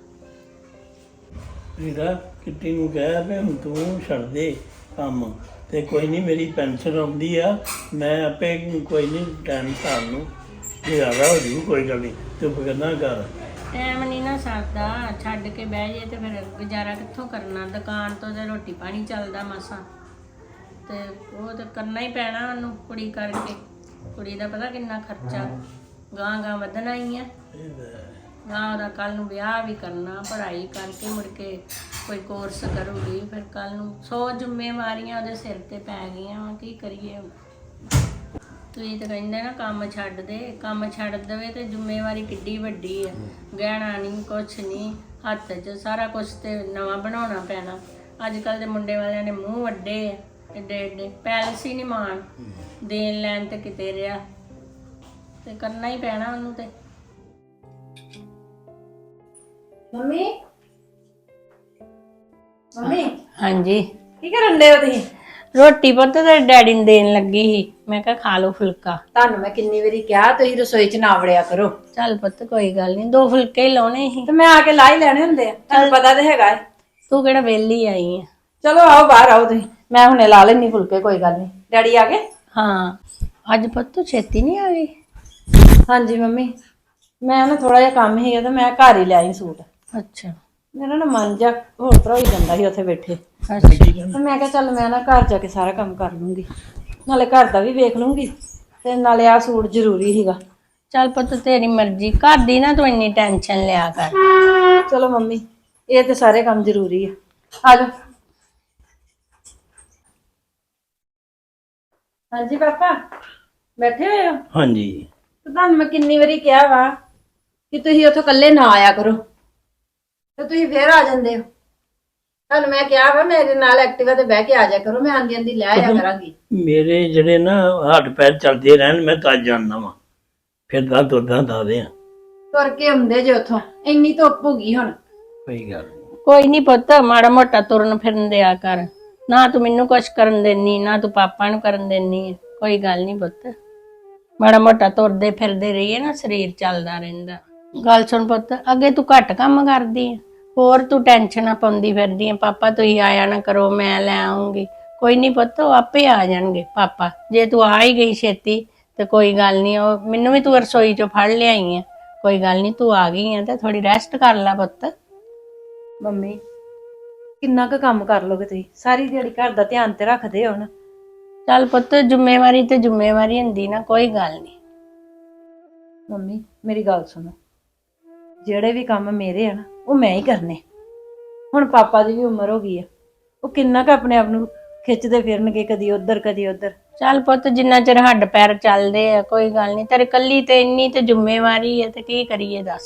Speaker 10: ਵੀਰਾ ਕਿੱਟੀ ਨੂੰ ਕਹਿ ਵੀ ਹੁਣ ਤੂੰ ਛੱਡ ਦੇ ਕੰਮ, ਤੇ ਕੋਈ ਨਹੀਂ ਮੇਰੀ ਪੈਨਸ਼ਨ ਆਉਂਦੀ ਆ, ਮੈਂ ਆਪੇ ਕੋਈ ਨਹੀਂ ਟਾਈਮ ਸਾਲ ਨੂੰ ਜ਼ਿਆਦਾ ਹੋ ਜੂ, ਕੋਈ ਗੱਲ ਨਹੀਂ, ਤੂੰ ਫਿਕਰ ਨਾ ਕਰ।
Speaker 9: ਟਾਈਮ ਨਹੀਂ ਨਾ ਸਰਦਾ, ਛੱਡ ਕੇ ਬਹਿ ਜੇ ਤੇ ਫਿਰ ਗੁਜ਼ਾਰਾ ਕਿੱਥੋਂ ਕਰਨਾ। ਦੁਕਾਨ ਤੋਂ ਤੇ ਰੋਟੀ ਪਾਣੀ ਚੱਲਦਾ ਮਸਾਂ, ਤੇ ਉਹ ਤਾਂ ਕਰਨਾ ਹੀ ਪੈਣਾ ਉਹਨੂੰ ਕੁੜੀ ਕਰਕੇ। ਕੁੜੀ ਦਾ ਪਤਾ ਕਿੰਨਾ ਖਰਚਾ, ਗਾਂ ਗਾਂ ਵਧਣਾ ਹੀ ਆ। ਗਾਂ ਉਹਦਾ ਕੱਲ ਨੂੰ ਵਿਆਹ ਵੀ ਕਰਨਾ, ਪੜ੍ਹਾਈ ਕਰਕੇ ਮੁੜ ਕੇ ਕੋਈ ਕੋਰਸ ਕਰੂਗੀ, ਫਿਰ ਕੱਲ ਨੂੰ ਸੌ ਜ਼ਿੰਮੇਵਾਰੀਆਂ ਉਹਦੇ ਸਿਰ ਤੇ ਪੈ ਗਈਆਂ ਵਾ। ਕੀ ਕਰੀਏ ਹੁਣ। ਤੁਸੀਂ ਤਾਂ ਕਹਿੰਦੇ ਨਾ ਕੰਮ ਛੱਡ ਦੇ, ਕੰਮ ਛੱਡ ਦੇਵੇ ਤੇ ਜ਼ਿੰਮੇਵਾਰੀ ਕਿੱਡੀ ਵੱਡੀ ਆ। ਗਹਿਣਾ ਨਹੀਂ, ਕੁਛ ਨਹੀਂ ਹੱਥ 'ਚ, ਸਾਰਾ ਕੁਛ ਤੇ ਨਵਾਂ ਬਣਾਉਣਾ ਪੈਣਾ। ਅੱਜ ਕੱਲ੍ਹ ਦੇ ਮੁੰਡੇ ਵਾਲਿਆਂ ਨੇ ਮੂੰਹ ਵੱਡੇ ਆ, ਏਡੇ ਏਡੇ ਪੈਲਸ ਹੀ ਨਹੀਂ ਮਾਣ ਦੇਣ ਲੈਣ ਤੇ ਕਿਤੇ ਰਿਹਾ, ਤੇ ਕਰਨਾ ਹੀ ਪੈਣਾ ਉਹਨੂੰ। ਤੇ
Speaker 11: ਮੰਮੀ ਮੰਮੀ
Speaker 9: ਹਾਂਜੀ,
Speaker 11: ਕੀ ਕਰਨ ਦੇ ਹੋ ਤੁਸੀਂ?
Speaker 9: ਰੋਟੀ ਪੁੱਤ ਤੇ ਡੈਡੀ ਨੂੰ ਦੇਣ ਲੱਗੀ ਸੀ, ਮੈਂ ਕਿਹਾ ਖਾ ਲਓ ਫੁਲਕਾ।
Speaker 11: ਤੁਹਾਨੂੰ ਮੈਂ ਕਿੰਨੀ ਵਾਰੀ ਕਿਹਾ ਤੁਸੀਂ ਰਸੋਈ 'ਚ ਨਾ ਵੜਿਆ ਕਰੋ।
Speaker 9: ਚੱਲ ਪੁੱਤ ਕੋਈ ਗੱਲ ਨਹੀਂ, ਦੋ ਫੁਲਕੇ ਹੀ ਲਾਉਣੇ ਸੀ
Speaker 11: ਤੇ ਮੈਂ ਆ ਕੇ ਲਾ ਹੀ ਲੈਣੇ ਹੁੰਦੇ ਆ, ਤੁਹਾਨੂੰ ਪਤਾ ਤੇ ਹੈਗਾ ਹੈ।
Speaker 9: ਤੂੰ ਕਿਹੜਾ ਵਿਹਲੀ ਆਈ ਆ।
Speaker 11: ਚਲੋ ਆਓ ਬਾਹਰ ਆਓ ਤੁਸੀਂ, ਮੈਂ ਹੁਣੇ ਲਾ ਲੈਣੀ ਫੁਲਕੇ, ਕੋਈ ਗੱਲ ਨਹੀਂ। ਡੈਡੀ ਆ ਗਏ?
Speaker 9: ਹਾਂ, ਅੱਜ ਪੁੱਤ ਤੂੰ ਛੇਤੀ ਨਹੀਂ ਆ ਗਈ?
Speaker 11: ਹਾਂਜੀ ਮੰਮੀ, ਮੈਂ ਨਾ ਥੋੜਾ ਜਿਹਾ ਕੰਮ ਸੀਗਾ ਤੇ ਮੈਂ ਘਰ ਹੀ ਲਿਆਈ ਸੂਟ।
Speaker 9: ਅੱਛਾ
Speaker 11: ਮੇਰਾ ਨਾ ਮਨ ਜਾ ਹੋਰ ਤਰ੍ਹਾਂ ਹੀ ਜਾਂਦਾ ਸੀ ਉੱਥੇ ਬੈਠੇ,
Speaker 9: ਅੱਛਾ
Speaker 11: ਤੇ ਮੈਂ ਕਿਹਾ ਚੱਲ ਮੈਂ ਨਾ ਘਰ ਜਾ ਕੇ ਸਾਰਾ ਕੰਮ ਕਰ ਲੂੰਗੀ, ਨਾਲੇ ਘਰ ਦਾ ਵੀ ਵੇਖ ਲੂੰਗੀ ਤੇ ਨਾਲੇ ਆ ਸੂਟ ਜ਼ਰੂਰੀ ਸੀਗਾ।
Speaker 9: ਚੱਲ ਪੁੱਤ ਤੇਰੀ ਮਰਜ਼ੀ, ਘਰ ਦੀ ਨਾ ਤੂੰ ਇੰਨੀ ਟੈਨਸ਼ਨ ਲਿਆ ਕਰ।
Speaker 11: ਚਲੋ ਮੰਮੀ, ਇਹ ਤੇ ਸਾਰੇ ਕੰਮ ਜ਼ਰੂਰੀ ਆ। ਆ ਜਾਓ। ਹਾਂਜੀ ਪਾਪਾ, ਬੈਠੇ ਹੋਏ ਹੋ?
Speaker 10: ਹਾਂਜੀ।
Speaker 11: ਤੇ ਤੁਹਾਨੂੰ ਮੈਂ ਕਿੰਨੀ ਵਾਰੀ ਕਿਹਾ ਵਾ ਕਿ ਤੁਸੀਂ ਉੱਥੋਂ ਇਕੱਲੇ ਨਾ ਆਇਆ ਕਰੋ, ਤੇ ਤੁਸੀਂ ਫੇਰ ਆ ਜਾਂਦੇ ਹੋ। ਤੁਹਾਨੂੰ ਮੈਂ ਕਿਹਾ ਵਾ ਮੇਰੇ ਨਾਲ ਐਕਟਿਵਾ ਤੇ ਬਹਿ ਕੇ ਆ ਜਾ ਕਰੋ, ਮੈਂ ਆਂਦੀ ਆਂਦੀ ਲੈ ਆਇਆ ਕਰਾਂਗੀ।
Speaker 10: ਮੇਰੇ ਜਿਹੜੇ ਨਾ ਹੱਥ ਪੈਰ ਚੱਲਦੇ ਰਹਿਣ, ਮੈਂ ਤਾਂ ਜਾਣਦਾ ਵਾਂ, ਫਿਰ ਤਾਂ ਤੁਰਦਾ ਦੱਸਦੇ ਆ।
Speaker 11: ਤੁਰ ਕੇ ਆਉਂਦੇ ਜੇ ਉੱਥੋਂ, ਇੰਨੀ ਧੁੱਪ ਹੋ ਗਈ ਹੁਣ।
Speaker 10: ਕੋਈ ਗੱਲ ਨੀ।
Speaker 9: ਕੋਈ ਨਹੀਂ ਪੁੱਤ, ਮਾੜਾ ਮੋਟਾ ਤੁਰਨ ਫਿਰਨ ਦਿਆ ਕਰ। ਨਾ ਤੂੰ ਮੈਨੂੰ ਕੁਛ ਕਰਨ ਦੇਣੀ, ਨਾ ਤੂੰ ਪਾਪਾ ਨੂੰ ਕਰਨ ਦੇਣੀ। ਕੋਈ ਗੱਲ ਨਹੀਂ ਪੁੱਤ, ਮਾੜਾ ਮੋਟਾ ਤੁਰਦੇ ਫਿਰਦੇ ਰਹੀਏ ਨਾ, ਸਰੀਰ ਚੱਲਦਾ ਰਹਿੰਦਾ। ਗੱਲ ਸੁਣ ਪੁੱਤ, ਅੱਗੇ ਤੂੰ ਘੱਟ ਕੰਮ ਕਰਦੀ ਆ, ਹੋਰ ਤੂੰ ਟੈਨਸ਼ਨਾਂ ਪਾਉਂਦੀ ਫਿਰਦੀ ਆ, ਪਾਪਾ ਤੁਸੀਂ ਆਇਆ ਨਾ ਕਰੋ, ਮੈਂ ਲੈ ਆਉਂਗੀ। ਕੋਈ ਨਹੀਂ ਪੁੱਤ, ਉਹ ਆਪੇ ਆ ਜਾਣਗੇ ਪਾਪਾ। ਜੇ ਤੂੰ ਆ ਹੀ ਗਈ ਛੇਤੀ ਤੇ ਕੋਈ ਗੱਲ ਨਹੀਂ, ਉਹ ਮੈਨੂੰ ਵੀ ਤੂੰ ਰਸੋਈ ਚੋਂ ਫੜ ਲਿਆਈ ਆ। ਕੋਈ ਗੱਲ ਨਹੀਂ, ਤੂੰ ਆ ਗਈ ਆ ਤੇ ਥੋੜੀ ਰੈਸਟ ਕਰ ਲੈ ਪੁੱਤ।
Speaker 11: ਮੰਮੀ ਕਿੰਨਾ ਕੁ ਕੰਮ ਕਰ ਲੋਗੇ ਤੁਸੀਂ? ਸਾਰੀ ਦਿਹਾੜੀ ਘਰ ਦਾ ਧਿਆਨ ਤੇ ਰੱਖਦੇ ਹੋ ਨਾ।
Speaker 9: ਚੱਲ ਪੁੱਤ, ਜ਼ਿੰਮੇਵਾਰੀ ਤੇ ਜ਼ਿੰਮੇਵਾਰੀ ਹੁੰਦੀ ਨਾ, ਕੋਈ ਗੱਲ ਨਹੀਂ।
Speaker 11: ਮੰਮੀ ਮੇਰੀ ਗੱਲ ਸੁਣੋ, ਜਿਹੜੇ ਵੀ ਕੰਮ ਮੇਰੇ ਆ ਨਾ ਉਹ ਮੈਂ ਹੀ ਕਰਨੇ। ਹੁਣ ਪਾਪਾ ਦੀ ਵੀ ਉਮਰ ਹੋ ਗਈ ਆ, ਉਹ ਕਿੰਨਾ ਕੁ ਆਪਣੇ ਆਪ ਨੂੰ ਖਿੱਚਦੇ ਫਿਰਨਗੇ, ਕਦੀ ਉਧਰ ਕਦੀ ਉਧਰ।
Speaker 9: ਚੱਲ ਪੁੱਤ, ਜਿੰਨਾ ਚਿਰ ਹੱਡ ਪੈਰ ਚੱਲਦੇ ਆ ਕੋਈ ਗੱਲ ਨਹੀਂ। ਤੇਰੇ ਕੱਲੀ ਤੇ ਇੰਨੀ ਤੇ ਜ਼ਿੰਮੇਵਾਰੀ ਹੈ ਤੇ ਕੀ ਕਰੀਏ ਦੱਸ।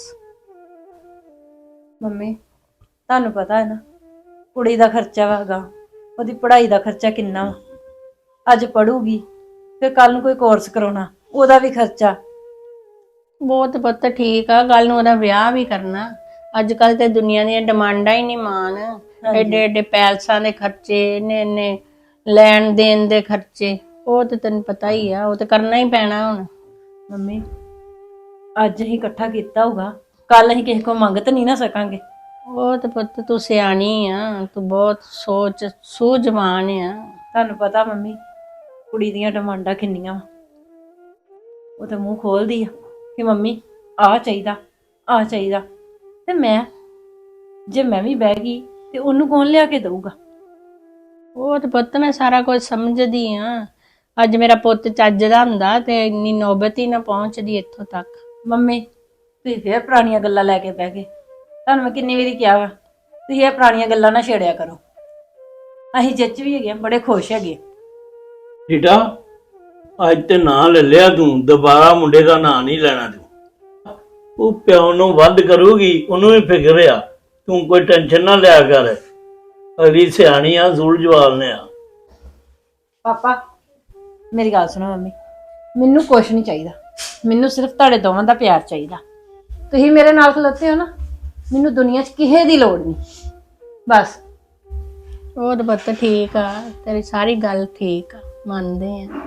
Speaker 11: ਮੰਮੀ ਤੁਹਾਨੂੰ ਪਤਾ ਹੈ ਨਾ, ਕੁੜੀ ਦਾ ਖਰਚਾ ਵਾਗਾ, ਉਹਦੀ ਪੜ੍ਹਾਈ ਦਾ ਖਰਚਾ ਕਿੰਨਾ ਵਾ। ਅੱਜ ਪੜੂਗੀ ਫਿਰ ਕੱਲ ਨੂੰ ਕੋਈ ਕੋਰਸ ਕਰਾਉਣਾ, ਉਹਦਾ ਵੀ ਖਰਚਾ।
Speaker 9: ਬਹੁਤ ਪੁੱਤ ਠੀਕ ਆ, ਕੱਲ ਨੂੰ ਉਹਦਾ ਵਿਆਹ ਵੀ ਕਰਨਾ। ਅੱਜ ਕੱਲ ਤੇ ਦੁਨੀਆ ਦੀਆਂ ਡਿਮਾਂਡਾਂ ਹੀ ਨਹੀਂ ਮਾਨ। ਐਡੇ ਐਡੇ ਪੈਲਸਾਂ ਦੇ ਖਰਚੇ, ਇੰਨੇ ਇੰਨੇ ਲੈਣ ਦੇਣ ਦੇ ਖਰਚੇ, ਉਹ ਤੇ ਤੈਨੂੰ ਪਤਾ ਹੀ ਆ, ਉਹ ਤੇ ਕਰਨਾ ਹੀ ਪੈਣਾ ਹੁਣ।
Speaker 11: ਮੰਮੀ ਅੱਜ ਅਸੀਂ ਇਕੱਠਾ ਕੀਤਾ ਹੋਊਗਾ, ਕੱਲ ਅਸੀਂ ਕਿਸੇ ਕੋਲ ਮੰਗ ਤਾਂ ਨਹੀਂ ਨਾ ਸਕਾਂਗੇ।
Speaker 9: ਉਹ ਤੇ ਪੁੱਤ ਤੂੰ ਸਿਆਣੀ ਆ, ਤੂੰ ਬਹੁਤ ਸੋਚ ਸੂਝਵਾਨ ਆ।
Speaker 11: ਤੁਹਾਨੂੰ ਪਤਾ ਮੰਮੀ ਕੁੜੀ ਦੀਆਂ ਡਿਮਾਂਡਾਂ ਕਿੰਨੀਆਂ ਵਾ, ਉਹ ਤਾਂ ਮੂੰਹ ਖੋਲਦੀ ਆ ਕਿ ਮੰਮੀ ਆਹ ਚਾਹੀਦਾ ਆਹ ਚਾਹੀਦਾ, ਤੇ ਮੈਂ ਜੇ ਮੈਂ ਵੀ ਬਹਿ ਗਈ ਤੇ ਉਹਨੂੰ ਕੌਣ ਲਿਆ ਕੇ ਦਊਗਾ?
Speaker 9: ਉਹ ਤੇ ਪੁੱਤ ਮੈਂ ਸਾਰਾ ਕੁਝ ਸਮਝਦੀ ਆ। ਅੱਜ ਮੇਰਾ ਪੁੱਤ ਚੱਜ ਦਾ ਹੁੰਦਾ ਤੇ ਇੰਨੀ ਨੌਬਤ ਹੀ ਨਾ ਪਹੁੰਚਦੀ ਇੱਥੋਂ ਤੱਕ।
Speaker 11: ਮੰਮੀ ਤੁਸੀਂ ਫੇਰ ਪੁਰਾਣੀਆਂ ਗੱਲਾਂ ਲੈ ਕੇ ਬਹਿ ਗਏ। ਤੁਹਾਨੂੰ ਮੈਂ ਕਿੰਨੀ ਵਾਰੀ ਕਿਹਾ ਵਾ ਤੁਸੀਂ ਇਹ ਪੁਰਾਣੀਆਂ ਗੱਲਾਂ ਨਾ ਛੇੜਿਆ ਕਰੋ। ਅਸੀਂ ਜੱਜ ਵੀ ਹੈਗੇ ਆ, ਬੜੇ ਖੁਸ਼ ਹੈਗੇ।
Speaker 10: ਬੇਟਾ ਅੱਜ ਤੇ ਨਾਂ ਲੈ ਲਿਆ ਤੂੰ, ਦੁਬਾਰਾ ਮੁੰਡੇ ਦਾ ਨਾਂ ਨਹੀਂ ਲੈਣਾ ਤੂੰ। ਉਹ ਪਿਓ ਨੂੰ ਵੱਧ ਕਰੂਗੀ, ਉਹਨੂੰ ਵੀ ਫਿਕਰ ਆ, ਤੂੰ ਕੋਈ ਟੈਨਸ਼ਨ ਨਾ ਲਿਆ ਕਰ। ਅਗਲੀ ਸਿਆਣੀ ਆ, ਜ਼ੂਲ ਜਵਾਲ ਨੇ ਆ।
Speaker 11: ਪਾਪਾ ਮੇਰੀ ਗੱਲ ਸੁਣੋ ਮੰਮੀ, ਮੈਨੂੰ ਕੁਛ ਨਹੀਂ ਚਾਹੀਦਾ, ਮੈਨੂੰ ਸਿਰਫ ਤੁਹਾਡੇ ਦੋਵਾਂ ਦਾ ਪਿਆਰ ਚਾਹੀਦਾ। ਤੁਸੀਂ ਮੇਰੇ ਨਾਲ ਖਲੋਤੇ ਹੋ ਨਾ, ਮੈਨੂੰ ਦੁਨੀਆ 'ਚ ਕਿਸੇ ਦੀ ਲੋੜ ਨਹੀਂ, ਬਸ।
Speaker 9: ਉਹ ਤਾਂ ਪੁੱਤ ਠੀਕ ਆ, ਤੇਰੀ ਸਾਰੀ ਗੱਲ ਠੀਕ ਆ, ਮੰਨਦੇ ਆ।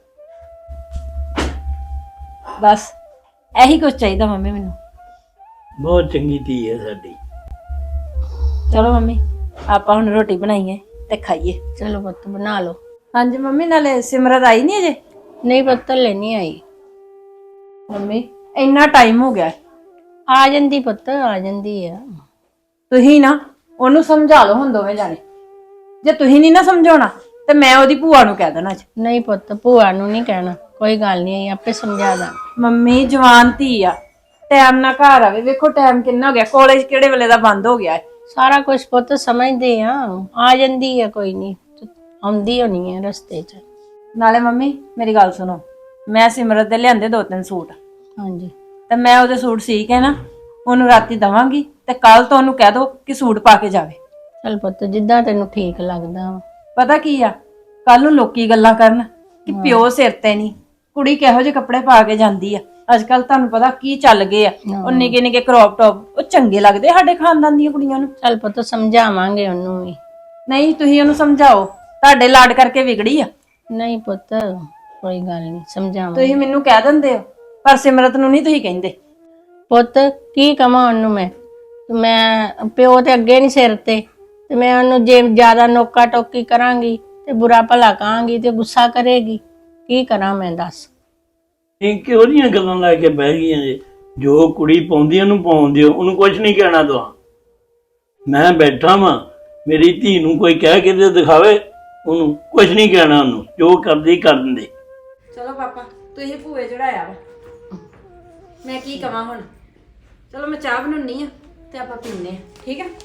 Speaker 11: ਬਸ ਇਹੀ ਕੁਝ ਚਾਹੀਦਾ ਮੰਮੀ ਮੈਨੂੰ।
Speaker 10: ਬਹੁਤ ਚੰਗੀ ਧੀ ਹੈ ਸਾਡੀ।
Speaker 11: ਚਲੋ ਮੰਮੀ ਆਪਾਂ ਹੁਣ ਰੋਟੀ ਬਣਾਈਏ ਤੇ ਖਾਈਏ।
Speaker 9: ਚਲੋ ਪੁੱਤ ਬਣਾ ਲਓ।
Speaker 11: ਹਾਂਜੀ ਮੰਮੀ, ਨਾਲੇ ਸਿਮਰਤ ਆਈ ਨਹੀਂ ਅਜੇ?
Speaker 9: ਨਹੀਂ ਪੁੱਤ ਲੈ ਨਹੀਂ ਆਈ।
Speaker 11: ਮੰਮੀ ਇੰਨਾ ਟਾਈਮ ਹੋ ਗਿਆ।
Speaker 9: ਆ ਜਾਂਦੀ ਪੁੱਤ, ਆ ਜਾਂਦੀ ਆ।
Speaker 11: ਤੁਸੀਂ ਨਾ ਉਹਨੂੰ ਸਮਝਾ ਲਓ ਹੁਣ ਦੋਵੇਂ ਜਾਣੇ। ਜੇ ਤੁਸੀਂ ਨਹੀਂ ਨਾ ਸਮਝਾਉਣਾ ਤੇ ਮੈਂ ਉਹਦੀ ਭੂਆ ਨੂੰ ਕਹਿ ਦੇਣਾ ਅੱਜ।
Speaker 9: ਨਹੀਂ ਪੁੱਤ, ਭੂਆ ਨੂੰ ਨਹੀਂ ਕਹਿਣਾ, ਕੋਈ ਗੱਲ ਨਹੀਂ, ਆਪੇ ਸਮਝਾ ਦਾਂ।
Speaker 11: ਮੰਮੀ ਜਵਾਨ ਧੀ ਆ, ਟਾਈਮ ਨਾਲ ਘਰ ਆਵੇ। ਵੇਖੋ ਟਾਈਮ ਕਿੰਨਾ ਹੋ ਗਿਆ, ਕਾਲਜ ਕਿਹੜੇ ਵੇਲੇ ਦਾ ਬੰਦ ਹੋ ਗਿਆ ਹੈ।
Speaker 9: ਸਾਰਾ ਕੁਝ ਪੁੱਤ ਸਮਝਦੇ ਆ, ਆ ਜਾਂਦੀ ਆ, ਕੋਈ ਨਹੀਂ, ਆਉਂਦੀ ਹੋਣੀ ਹੈ ਰਸਤੇ 'ਚ।
Speaker 11: ਨਾਲੇ ਮੰਮੀ ਮੇਰੀ ਗੱਲ ਸੁਣੋ, ਮੈਂ ਸਿਮਰਤ ਦੇ ਲਿਆਂਦੇ ਦੋ ਤਿੰਨ ਸੂਟ।
Speaker 9: ਹਾਂਜੀ।
Speaker 11: ਤੇ ਮੈਂ ਉਹਦੇ ਸੂਟ ਸੀ ਕੇ ਨਾ ਉਹਨੂੰ ਰਾਤੀ ਦਵਾਂਗੀ, ਤੇ ਕੱਲ ਤੋਂ ਉਹਨੂੰ ਕਹਿ ਦੋ ਕਿ ਸੂਟ ਪਾ ਕੇ ਜਾਵੇ।
Speaker 9: ਚਲ ਪੁੱਤ, ਜਿੱਦਾਂ ਤੈਨੂੰ ਠੀਕ ਲੱਗਦਾ।
Speaker 11: ਪਤਾ ਕੀ ਆ, ਕੱਲ ਨੂੰ ਲੋਕੀ ਗੱਲਾਂ ਕਰਨ ਕਿ ਪਿਓ ਸਿਰ ਤੇ ਨਹੀਂ, ਕੁੜੀ ਕਿਹੋ ਜਿਹੇ ਕੱਪੜੇ ਪਾ ਕੇ ਜਾਂਦੀ ਆ। ਅੱਜ ਕੱਲ ਤੁਹਾਨੂੰ ਪਤਾ ਕੀ ਚੱਲ ਗਏ ਆ, ਉਹ ਨਿੱਕੇ ਨਿੱਕੇ ਕ੍ਰੌਪ ਟੌਪ, ਉਹ ਚੰਗੇ ਲੱਗਦੇ ਸਾਡੇ ਖਾਨਦਾਨ ਦੀਆਂ ਕੁੜੀਆਂ ਨੂੰ।
Speaker 9: ਚੱਲ ਪੁੱਤ ਸਮਝਾਵਾਂਗੇ ਉਹਨੂੰ ਵੀ।
Speaker 11: ਨਹੀਂ ਤੁਸੀਂ ਉਹਨੂੰ ਸਮਝਾਓ, ਤੁਹਾਡੇ ਲਾਡ ਕਰਕੇ ਵਿਗੜੀ ਆ।
Speaker 9: ਨਹੀਂ ਪੁੱਤ, ਕੋਈ ਗੱਲ ਨਹੀਂ, ਸਮਝਾਵਾਂਗੇ।
Speaker 11: ਤੁਸੀਂ ਮੈਨੂੰ ਕਹਿ ਦਿੰਦੇ ਹੋ, ਪਰ ਸਿਮਰਤ ਨੂੰ ਨਹੀਂ ਤੁਸੀਂ ਕਹਿੰਦੇ।
Speaker 9: ਪੁੱਤ ਕੀ ਕਵਾਂ ਉਹਨੂੰ ਮੈਂ ਮੈਂ ਪਿਓ ਤੇ ਅੱਗੇ ਨਹੀਂ ਸਿਰ ਤੇ, ਤੇ ਮੈਂ ਉਹਨੂੰ ਜੇ ਜ਼ਿਆਦਾ ਨੋਕਾ ਟੋਕੀ ਕਰਾਂਗੀ ਤੇ ਬੁਰਾ ਭਲਾ ਕਹਾਂਗੀ ਤੇ ਗੁੱਸਾ ਕਰੇਗੀ। ਕੀ ਕਰਾਂ ਮੈਂ ਦੱਸ।
Speaker 10: ਇਹ ਕਿਹੋ ਜਿਹੀਆਂ ਗੱਲਾਂ ਲੈ ਕੇ ਬਹਿ ਗਈਆਂ ਜੇ? ਜੋ ਕੁੜੀ ਪਾਉਂਦੀ ਉਹਨੂੰ ਪਾਉਣ ਦਿਓ, ਉਹਨੂੰ ਕੁਝ ਨਹੀਂ ਕਹਿਣਾ ਤੁਹਾਂ। ਮੈਂ ਬੈਠਾ ਵਾਂ, ਮੇਰੀ ਧੀ ਨੂੰ ਕੋਈ ਕਹਿ ਕੇ ਤੇ ਦਿਖਾਵੇ, ਉਹਨੂੰ ਕੁਝ ਨਹੀਂ ਕਹਿਣਾ, ਉਹਨੂੰ ਜੋ ਕਰਦੀ ਕਰਨ ਦੇ।
Speaker 11: ਚਲੋ ਪਾਪਾ ਤੁਸੀਂ ਭੂਏ ਚੜਾਇਆ ਵਾ, ਮੈਂ ਕੀ ਕਵਾਂ ਹੁਣ। ਚਲੋ ਮੈਂ ਚਾਹ ਬਣਾਉਣੀ ਆ ਤੇ ਆਪਾਂ ਪੀਂਦੇ ਆ, ਠੀਕ ਆ?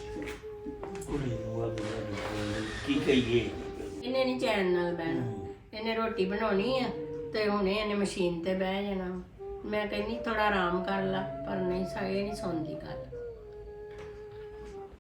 Speaker 10: ਕੀ ਕਹੀਏ?
Speaker 9: ਇਹਨੇ ਨਹੀਂ ਚੈਨ ਨਾਲ ਬਹਿਣਾ, ਇਹਨੇ ਰੋਟੀ ਬਣਾਉਣੀ ਆ ਤੇ ਹੁਣੇ ਇਹਨੇ ਮਸ਼ੀਨ ਤੇ ਬਹਿ ਜਾਣਾ। ਮੈਂ ਕਹਿੰਦੀ ਥੋੜਾ ਆਰਾਮ ਕਰ ਲਾ, ਪਰ ਨਹੀਂ ਸਾ ਇਹ ਨਹੀਂ ਸੁਣਦੀ ਗੱਲ।